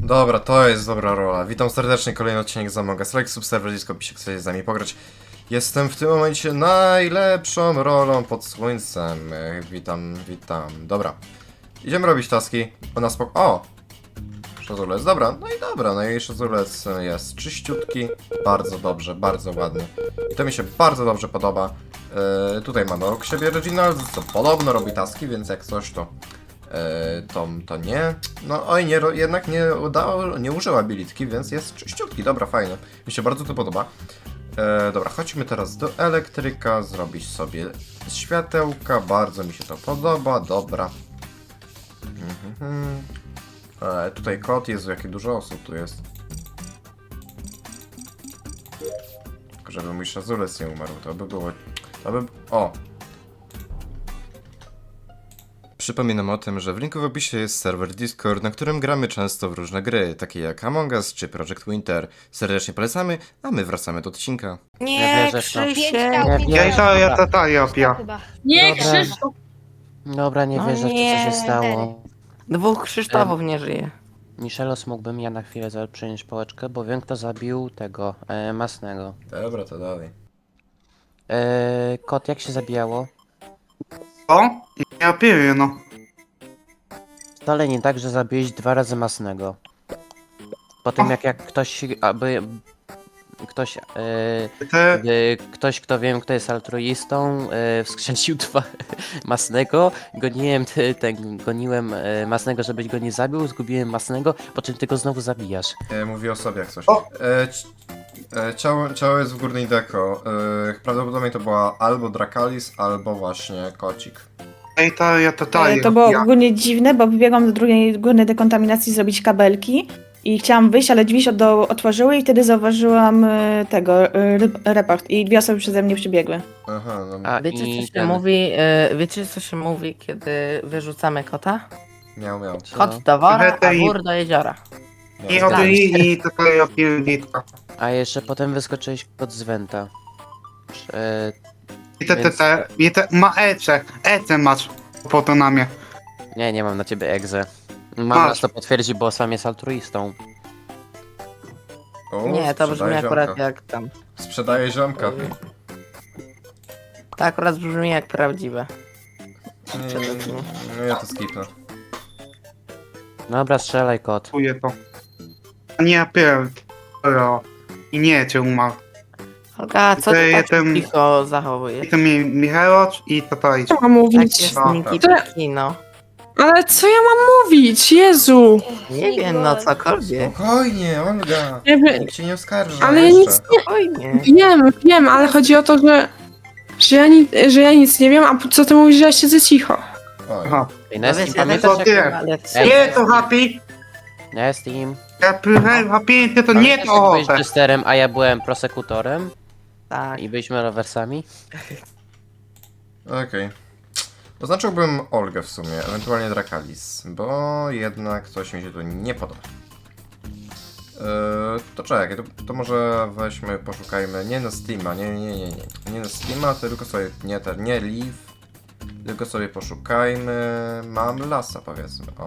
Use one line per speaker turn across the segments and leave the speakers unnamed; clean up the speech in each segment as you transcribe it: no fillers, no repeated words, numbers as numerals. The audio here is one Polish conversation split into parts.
Dobra, to jest dobra rola. Witam serdecznie, kolejny odcinek z Among Us. Like, subserwer, disco, pisze, chcecie z nami pograć. Jestem w tym momencie najlepszą rolą pod słońcem. Witam. Dobra. Idziemy robić taski. Ona spoko... O! Szazulec, dobra. No i szazulec jest czyściutki. Bardzo dobrze, bardzo ładny. I to mi się bardzo dobrze podoba. Tutaj mamy obok siebie Reginald, co podobno robi taski, więc jak coś to... to nie. No oj, jednak nie użyła bilitki, więc jest czyściutki. Dobra, fajnie. Mi się bardzo to podoba. Dobra, chodźmy teraz do elektryka, zrobić sobie światełka. Bardzo mi się to podoba, dobra. Tutaj kot, Jezu, jakie dużo osób tu jest. Tylko żeby mój szazulec nie umarł, to by było... O! Przypominam o tym, że w linku w opisie jest serwer Discord, na którym gramy często w różne gry, takie jak Among Us czy Project Winter. Serdecznie polecamy, a my wracamy do odcinka.
Nie,
wierzę w to.
Krzysiek!
Ja chyba.
Nie,
Dobra.
Krzysztof!
Dobra, nie
No
wierzę w to, co się
nie.
stało.
Dwóch Krzysztofów nie żyje.
Michelos, mógłbym ja na chwilę przyjąć pałeczkę, bo wiem, kto zabił tego, Masnego.
Dobra, to dalej.
Kot, jak się zabijało?
O? Ja piję, no.
Wcale nie tak, że zabiłeś 2 razy Masnego. Po tym jak ktoś,
Te...
ktoś, kto wiem, kto jest altruistą, wskrzesił 2 Masnego, goniłem Masnego, żebyś go nie zabił, zgubiłem Masnego, po czym ty go znowu zabijasz.
Mówię o sobie jak coś.
O!
Ciało jest w górnej deko. Prawdopodobnie to była albo Drakalis, albo właśnie kocik.
Ej, to ja totalnie.
To było
ja.
ogólnie dziwne, bo wybiegłam do drugiej górnej dekontaminacji zrobić kabelki i chciałam wyjść, ale drzwi się otworzyły i wtedy zauważyłam report i 2 osoby przeze mnie przybiegły.
Aha, no
A
Wiecie
i
co się
ten-
mówi? Wiecie co się mówi, kiedy wyrzucamy kota?
miał.
Co?
Kot do wora, a
Hej.
wór do jeziora.
I od i totalnie ja piję gitka.
A jeszcze potem wyskoczyłeś pod z Wenta.
I te ma Ece masz po na mnie.
Nie mam na ciebie egzę. Mam
Masz.
nas to potwierdzi, bo sam jest altruistą.
Nie, to brzmi
sprzedaję
akurat
ziomka.
jak tam.
Sprzedaję ziomka.
To akurat brzmi jak prawdziwe.
No ja to skipnę.
Dobra, strzelaj kot.
Czuję to. A nie, ja piję. I nie cię umarł.
Olga, co ty
Ja
tak
ten-
cicho zachowujesz?
I to mi Michałocz i totalnie.
Co mam
Tak
mówić?
jest
Dobra.
Niki Kino.
Ale co ja mam mówić? Jezu!
Nie wiem, no cokolwiek.
Spokojnie, Olga.
Ja wiem,
Nikt cię nie oskarża.
ale ja
jeszcze.
nic
Spokojnie.
wiem, ale chodzi o to, że ja nic nie wiem, a co ty mówisz, że ja siedzę cicho?
Oj.
Aha.
Ej,
No
Nestim,
wiesz, ja też
pamiętasz
nie.
jak...
mam lekcję.
Ej.
Nie to happy!
Nestim.
Ja piję happy, to nie
Pamiętasz,
to
jak byłeś
ochotę.
jesterem, a ja byłem prosekutorem?
Tak.
I byliśmy rowersami?
Okej. Oznaczyłbym Olgę w sumie, ewentualnie Drakalis, bo jednak coś mi się tu nie podoba. To czekaj, to może weźmy, poszukajmy, nie na Steama, nie na Steama, tylko sobie, nie Leaf, tylko sobie poszukajmy, mam lasa powiedzmy, o.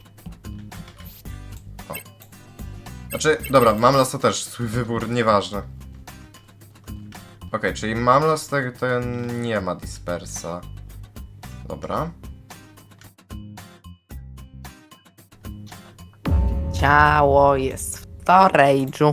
Znaczy, dobra, mam lasa też, swój wybór, nieważne. Okej, czyli mam las, ten nie ma dispersa. Dobra.
Ciało jest w storage'u.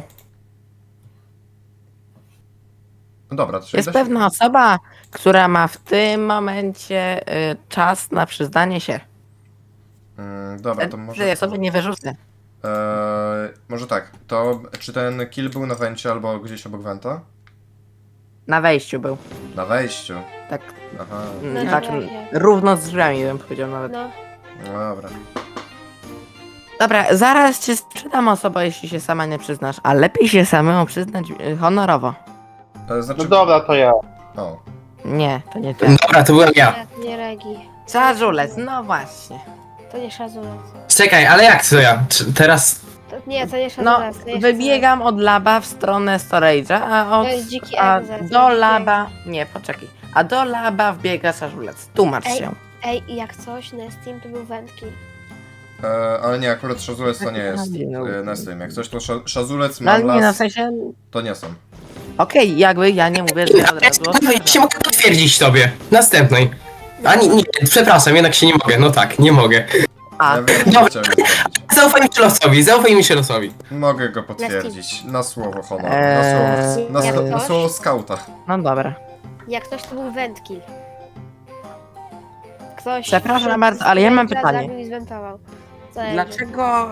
No dobra, to czyli
Jest
da się-
pewna osoba, która ma w tym momencie czas na przyznanie się.
Dobra, to może...
Ja sobie nie wyrzucę.
Może tak, to czy ten kill był na wencie albo gdzieś obok wenta?
Na wejściu był.
Na wejściu.
Tak,
Aha,
No
tak
dobra,
równo z drzwiami bym powiedział nawet.
No,
no dobra.
Dobra, zaraz cię sprzedam osoba, jeśli się sama nie przyznasz, a lepiej się samemu przyznać honorowo.
Znaczy...
No dobra, to ja.
O.
Nie, to nie ty.
Dobra, to byłem ja.
nie Regi.
Żarzulec, no właśnie.
To nie szazulec.
Czekaj, ale jak to ja? Teraz...
To nie
No,
szazulec. to nie
wybiegam od laba w stronę storage'a,
To jest dziki
a
egg zaraz,
do
dziki
laba... Nie, poczekaj. A do laba wbiega żarzulec. Tłumacz
Ej.
się.
Ej, jak coś na Steam to był wędki.
Ale nie, akurat Szazulec to nie jest
No.
Nestym. Jak coś to Szazulec,
No ale nie, no w
Mamlas,
sensie...
to nie są.
Okej, jakby ja nie mówię, że od razu...
Ja się mogę potwierdzić tobie. Następnej. A nie, przepraszam, jednak się nie mogę. No tak, nie mogę.
A,
Ja wiem, co
Dobra.
chciałem zrobić.
Zaufaj Michelosowi.
Mogę go potwierdzić. Na słowo honor.
Eee,
Na słowo skauta.
no dobra.
Jak ktoś to był wędki. Ktoś...
Przepraszam bardzo, ale ja mam
wędka
pytanie.
zabił i zwentował. Co ja wiem.
Dlaczego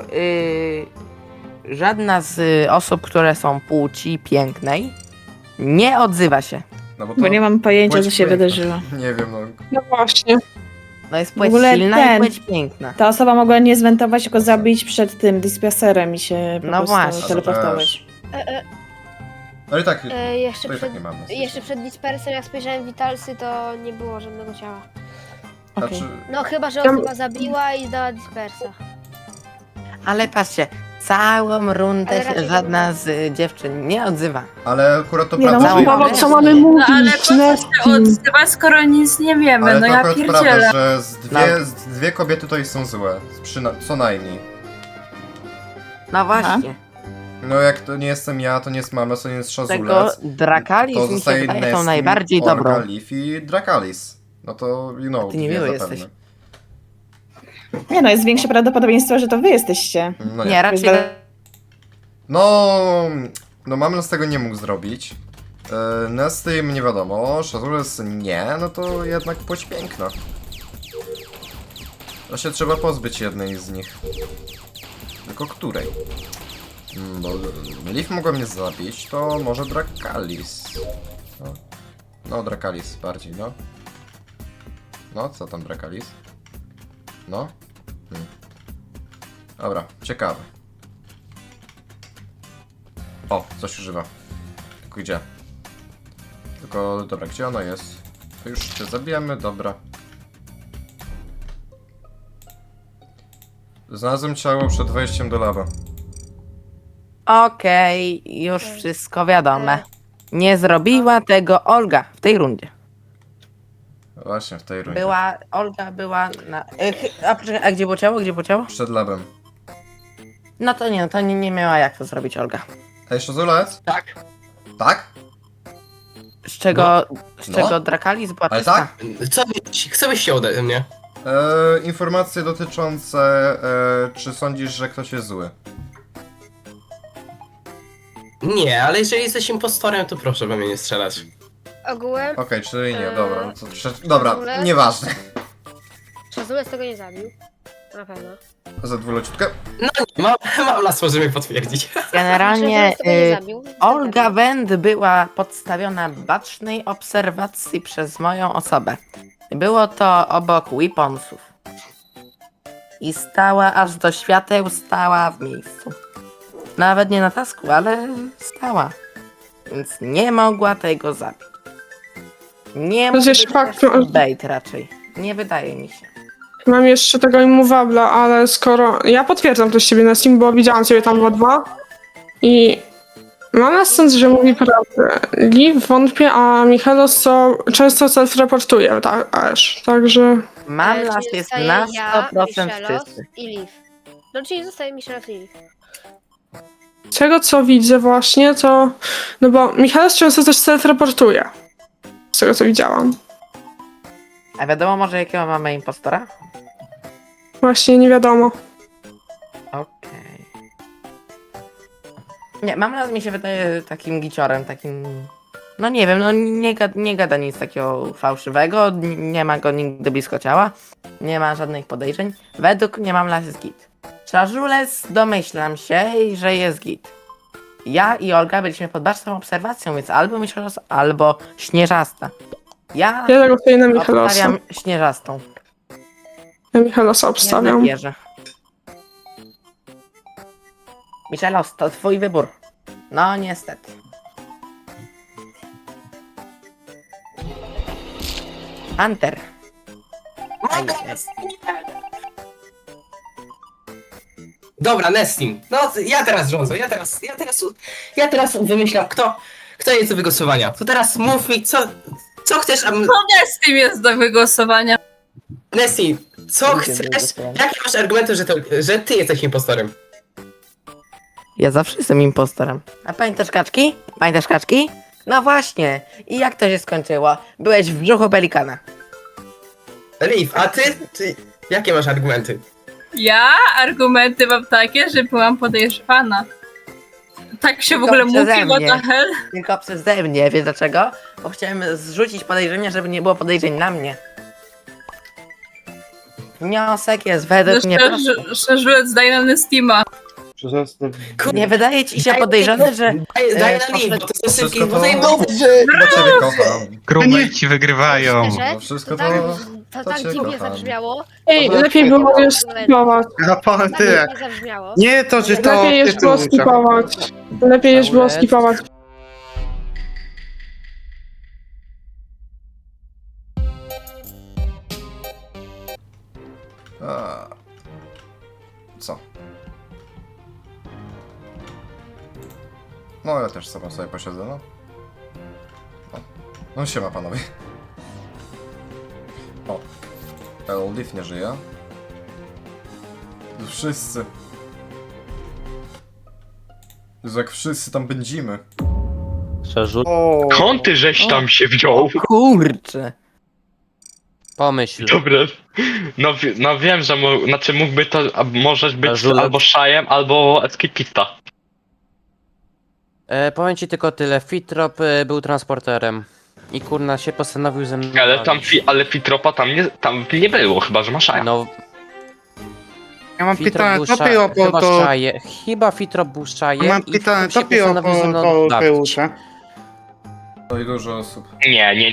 żadna z osób, które są płci pięknej, nie odzywa się?
No bo to...
Bo nie mam pojęcia,
płeć
co się
piękna.
wydarzyło.
Nie wiem, no.
No właśnie.
No jest
W
płeć
ogóle
silna
ten-
i płeć piękna.
Ta osoba mogła nie zwentować, tylko zabić przed tym dispenserem i się po
No
prostu
właśnie.
teleportować.
Ale tak,
Jeszcze
to i tak
przed...
nie mamy.
Jeszcze przed dispersem, jak spojrzałem w Vitalsy, to nie było żadnego ciała.
Okej.
Znaczy,
No chyba, że
Ja-
osoba zabiła i dała dispersa.
Ale patrzcie, całą rundę
Ale
się
raczej
żadna z dziewczyn nie odzywa.
ale akurat to
Nie, no,
prawda, że...
Mamo,
Mamo,
wiesz,
co mamy
nie.
mówić?
No ale po co się
Nestim?
odzywać, skoro nic nie wiemy?
Ale
No
to
ja
akurat
pierdzielę.
prawda, że dwie kobiety tutaj są złe. Co najmniej.
No właśnie.
No jak to nie jestem ja, to nie jest Mamlas, to nie jest
Tego
Szazulec.
Drakalis
To
mi się
zostaje
wydaje tą
Nestim,
najbardziej dobrą.
Orgalif i Drakalis. No to, you know,
Ty niemiły
wie
jesteś.
zapewne.
Nie no, jest większe prawdopodobieństwo, że to wy jesteście.
No
Nie, raczej...
Jest-
No Mamlas tego nie mógł zrobić. Nestym nie wiadomo, Szazulec nie, no to jednak płeć piękna. To się trzeba pozbyć jednej z nich. Tylko której? Bo Leaf mogła mnie zabić, to może Drakalis. No Drakalis bardziej, no. No, co tam Drakalis? No? Dobra, ciekawe. O, coś używa. Tylko gdzie? Tylko, dobra, gdzie ona jest? To już cię zabijemy, dobra. Znalazłem ciało przed wejściem do laba.
Okej, już wszystko wiadome. Nie zrobiła tego Olga w tej rundzie.
Właśnie, w tej rundzie.
Olga była na... A, poczekaj, a gdzie było ciało? Gdzie było ciało?
Przed labem.
No to nie miała jak to zrobić Olga.
Ej, Szazulec?
Tak.
Tak?
Z czego,
No.
Drakalis była
Ale
czysta?
tak?
Co byś chciał ode mnie?
Informacje dotyczące, czy sądzisz, że ktoś jest zły?
Nie, ale jeżeli jesteś impostorem, to proszę we mnie nie strzelać.
Ogółem
Okej, czyli nie,
Eee,
dobra. No to, dobra,
Szazulec?
nieważne.
Szazulec tego nie zabił. Na pewno.
Za dwuleciutkę.
No nie, mam las, możemy potwierdzić.
Generalnie
Szazulec tego nie zabił.
Olga Wend była podstawiona bacznej obserwacji przez moją osobę. Było to obok weaponsów. I stała aż do świateł, stała w miejscu. Nawet nie na tasku, ale stała. Więc nie mogła tego zabić. Nie
To
mógł
jest
być
fakt,
też
że-
bait raczej. Nie wydaje mi się.
Mam jeszcze tego immovabla, ale skoro... Ja potwierdzam to z ciebie na Steam, bo widziałam ciebie tam w 2 i mam na sens, że mówi prawdę. Liv wątpię, a Michalos co często self-reportuje, tak, aż. Także...
Mam nas
Czyli
jest
zostaje
na
ja,
100%
Michelos
czysty.
i Leaf. No czyli zostaje Michelos i Leaf.
Z tego co widzę właśnie, to... No bo Michalos często też self-reportuje. Z tego co widziałam.
A wiadomo może jakiego mamy impostora?
Właśnie nie wiadomo.
Okej. Nie, mam raz mi się wydaje takim giciorem, takim... No nie wiem, no nie gada nic takiego fałszywego, nie ma go nigdy blisko ciała, nie ma żadnych podejrzeń. Według mnie mam las jest git. Szazulec domyślam się, że jest git. Ja i Olga byliśmy pod baczną obserwacją, więc albo Michelos, albo Śnieżasta. Ja
Ja tego tutaj na Michalosa.
obstawiam Śnieżastą.
Ja Michalosa
Nie
obstawiam.
wierzę. Michelos, to twój wybór. No niestety. Hunter. Aj, aj.
Dobra, Nestim. No, ja teraz rządzę, ja teraz wymyślam, kto jest do wygłosowania. To teraz mów mi, co chcesz, a...
No nie, z tym jest do wygłosowania.
Nestim, Co chcesz? Jakie masz argumenty, że ty jesteś impostorem?
Ja zawsze jestem impostorem. A pamiętasz kaczki? Pamiętasz kaczki? No właśnie. I jak to się skończyło? Byłeś w brzuchu pelikana.
Liv, a ty? Jakie masz argumenty?
Ja argumenty mam takie, że byłam podejrzewana. Tak się w
Tylko
ogóle
przeze
mówi, what
mnie.
the hell?
Tylko przeze mnie, wiesz dlaczego? Bo chciałem zrzucić podejrzenia, żeby nie było podejrzeń na mnie. Wniosek jest według mnie prosty.
Szerzulec daje na Steama.
Nie wydaje ci się podejrzane, że...
Daj na
to
Liv, bo to są
wszystko
szybkie,
to-
bo zajmowe.
Chyba ciebie kocham.
Krumejci wygrywają.
Szczerze,
No wszystko
to tak,
to
to tak
cię
dziwnie
kocham.
zabrzmiało.
Ej, lepiej było już skipować.
Raport
Tak
tyle.
dziwnie zabrzmiało.
Nie to, że to
Lepiej już było
tytuł,
skipować. Lepiej już było skipować.
A. Co? No ja też sobie posiedzę, no. No siema panowie. O. Eldiv nie żyje. Wszyscy. Jezu, jak wszyscy tam będziemy.
Szerzut.
Skąd ty żeś tam się wziął?
Kurczę.
Pomyśl.
Dobra. No wiem, że znaczy mógłby to możesz być
Żulek.
albo Szajem, albo Escapista.
Powiem ci tylko tyle. Fitrop był transporterem. I kurna się postanowił ze mną
Ale tam
bawić.
ale Fitropa tam nie było, chyba że ma Szaja.
No,
Ja mam
Fitrop
pytanie,
był
co było po
chyba
to...
szaje. Chyba Fitrop był szajem
Mam
i
pytanie,
Fitrop
co
się
było
postanowił ze mną
po
bawić.
Peusze?
No i dużo osób.
Nie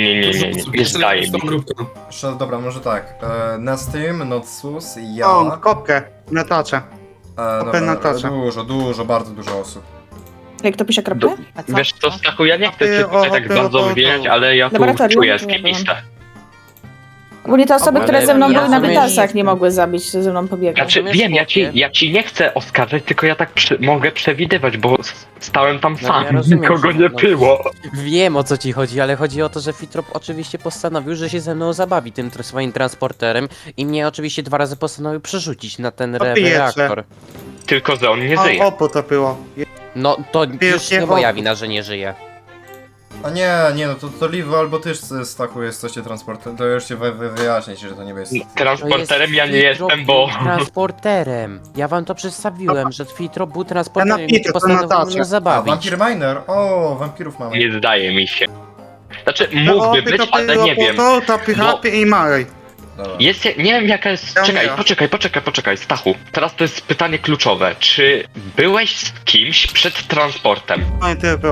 zdaje mi.
Dobra, może tak. Nestym, Notsus, ja.
O, kopkę, na tacze.
Dobra,
Natasza.
dużo, bardzo dużo osób.
Jak to pisze kropkę?
A co?
Wiesz co, Stachu, ja nie chcę cię
O,
tutaj tak bardzo wywijać, ale ja tu
Laboratorium?
czuję
Nie byłam.
Escapistę.
Ogólnie te osoby,
Ale
które ze mną
ja
były na
rozumiem,
wytasach,
że-
nie mogły zabić, ze mną pobiegać.
Znaczy
Rozumiesz,
wiem,
chłopie?
ja ci nie chcę oskarżać, tylko ja tak mogę przewidywać, bo stałem tam
No,
sam,
ja rozumiem,
nikogo
że-
nie
no.
było.
Wiem o co ci chodzi, ale chodzi o to, że Fitrop oczywiście postanowił, że się ze mną zabawi tym swoim transporterem i mnie oczywiście 2 razy postanowił przerzucić na ten
Opiecze.
reaktor.
Tylko, że on nie żyje.
O, to było.
No to już nie moja
opór.
wina, że nie żyje.
A nie, no to Livu albo ty Stachu jesteście transportem, to już się wyjaśnić, że to nie jest...
Transporterem ja nie
Fitrop
jestem, bo...
był transporterem. Ja wam to przedstawiłem, że Fitrop był transporterem i
napiszę, to
postanowił
Natasza.
mnie
A,
zabawić.
Vampire Miner! O, wampirów mamy.
Nie zdaje mi się. Znaczy, mógłby być, ale nie wiem.
To Pychapie i Marej.
Dobra.
Jest, nie wiem jaka jest...
Ja
Czekaj,
umieram.
poczekaj, Stachu. Teraz to jest pytanie kluczowe. Czy byłeś z kimś przed transportem?
No i tyle było.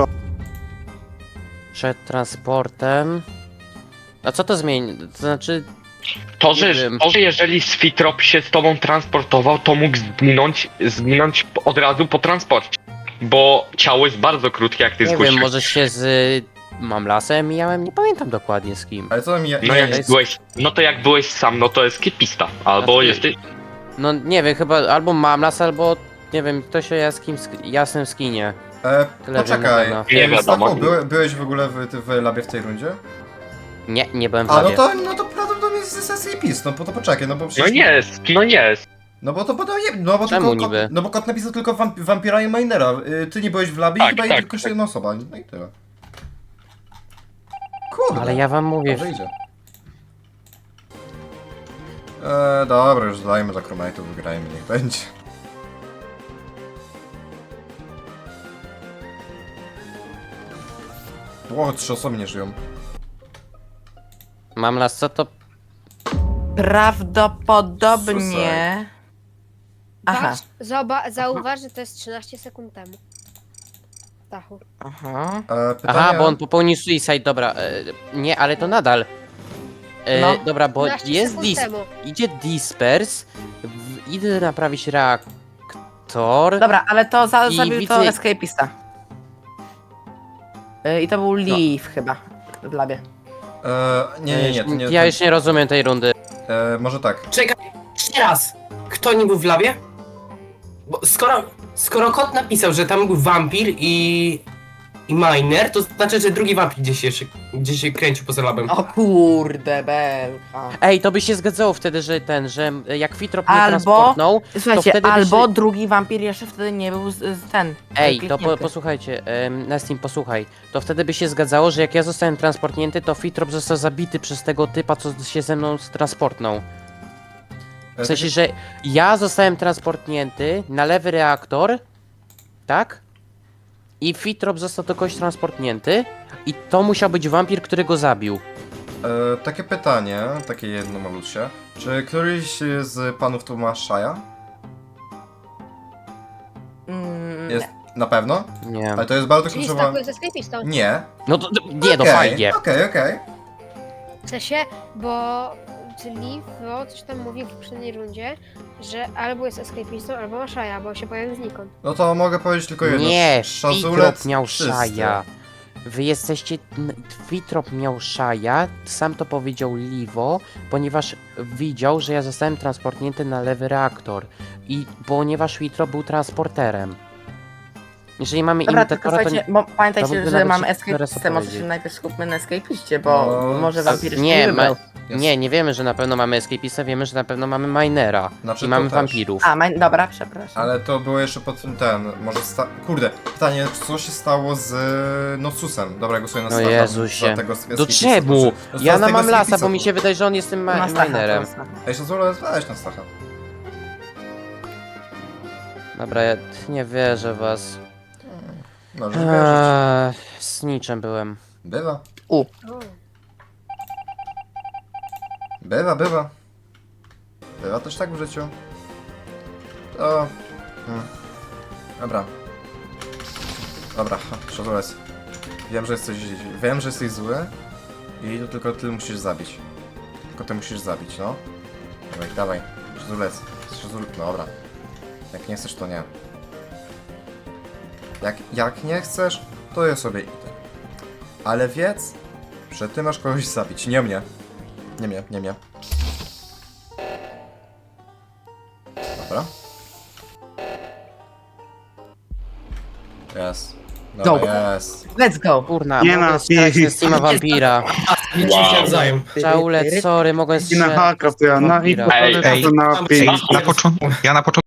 Przed transportem... A co to zmieni? To znaczy...
To,
Nie
że
wiem.
jeżeli Sfitrop się z tobą transportował, to mógł zginąć od razu po transporcie. Bo ciało jest bardzo krótkie, jak ty
Nie
zgłosiłeś.
wiem, może się z... Mamlasem mijałem? Nie pamiętam dokładnie z kim.
Ale co tam ja...
No jak byłeś sam, no to jest kipista. Albo
Znaczy-
jesteś...
No nie wiem, chyba albo Mamlas, albo... Nie wiem, ktoś o jasnym skinie. Tyle
Poczekaj,
wiem na
Nie wiadomo.
Stachu, byłeś w ogóle w labie w tej rundzie?
Nie, nie byłem w
A,
labie.
no to prawdopodobnie jest sesja PiS, no bo to poczekaj, no bo
No
przecież...
jest.
No bo to podaje, no bo
Czemu
tylko
niby?
Kot, no bo kot napisał tylko Vampira i Minera. Ty nie byłeś w labie
Tak,
i chyba
tak,
tylko jeszcze jedna osoba, no i tyle. Kurde.
Ale ja wam mówię,
Dobrze idzie. Dobra, już dajmy dla crewmate'ów, wygrajmy, niech będzie. Ło, 3 osoby nie żyją.
Mamlas, co to...
Prawdopodobnie... Aha,
Zauważ, że to jest 13 sekund temu. Stachu.
aha.
Pytanie...
Aha, bo on popełnił suicide, dobra. Nie, ale to nadal.
No.
Dobra, bo
13
jest
sekund temu.
idzie Dispers, idę naprawić reaktor.
Dobra, ale to
I
zabił
widzę-
to escapista. I to był Leaf chyba w labie.
Nie, to nie...
Ja już nie rozumiem tej rundy.
Może tak.
Czekaj, jeszcze raz. Kto nie był w labie? Bo skoro kot napisał, że tam był wampir i i miner, to znaczy, że drugi wampir gdzieś się kręcił poza labem.
O kurde, belka.
Ej, to by się zgadzało wtedy, że jak Fitrop mnie
Albo-
transportnął,
Słuchajcie,
wtedy by
albo
się-
drugi wampir jeszcze wtedy nie był ten.
Ej, to
kliknięty.
posłuchajcie, Nestim, posłuchaj. To wtedy by się zgadzało, że jak ja zostałem transportnięty, to Fitrop został zabity przez tego typa, co się ze mną transportnął. W sensie, że ja zostałem transportnięty na lewy reaktor, tak? I Fitrop został do kogoś transportnięty i to musiał być wampir, który go zabił.
Takie pytanie, takie jedno malutkie. Czy któryś z panów tu ma Shaja? Jest na pewno?
Nie.
Ale to jest bardzo
Czyli
kluczowa...
stakuje ze sklepistą.
Nie.
No to, nie, no
Okej,
fajnie.
Okej.
W sensie, bo czyli coś tam mówił w poprzedniej rundzie, że albo jest escapistą, albo ma szaja, bo się pojawił znikąd.
No to mogę powiedzieć tylko jedno.
Nie,
Szazulec
Fitrop miał
czysty.
szaja. Wy jesteście... Fitrop miał szaja, sam to powiedział Livo, ponieważ widział, że ja zostałem transportnięty na lewy reaktor. I ponieważ Fitrop był transporterem. Jeżeli mamy
Dobra, tylko
imitatora, to
słuchajcie, bo
to w
pamiętajcie,
ogóle
że
nawet
mamy
się
escapistę,
teraz
może się
opowiedzieć.
najpierw skupmy na escapiście, bo
No,
może wampir
nie,
wybrał.
nie wiemy, że na pewno mamy escapista, wiemy, że na pewno mamy minera.
Znaczy,
I
to
mamy
też.
wampirów.
Dobra, przepraszam.
Ale to było jeszcze pod tym może Kurde, pytanie, co się stało z Nocusem? Dobra, głosuję na
No
Stacha.
Jezusie.
za tego
Do
escapista,
czemu?
znaczy,
Ja
z
na
tego
mam lasa,
escapista.
bo mi się wydaje, że on jest tym
Na Stacha,
minerem.
to jest-
Ej, Szazulec, weź na Stacha.
Dobra, ja nie wierzę w was.
Możesz wierzyć.
Z niczym byłem.
Bywa.
O.
Bywa. Bywa też tak w życiu. To... Dobra. Dobra, Szazulec. Wiem, że jesteś zły. I to tylko ty musisz zabić. Tylko ty musisz zabić, no. Dawaj. Szazulec. No dobra. Jak nie chcesz, to nie. Jak nie chcesz, to ja sobie idę. Ale wiedz, że ty masz kogoś zabić, nie mnie. Nie mnie. Dobra. Jest. Dobra, jest.
Let's go!
Kurna,
Nie
mogę
ma,
strzelać
nie.
ze Steama Vampira.
Widzicie się nawzajem.
Szaulet, sorry, mogłem
I na
strzelać
haka, ja na
Vampira.
info
Ej,
to na
Ej,
na początku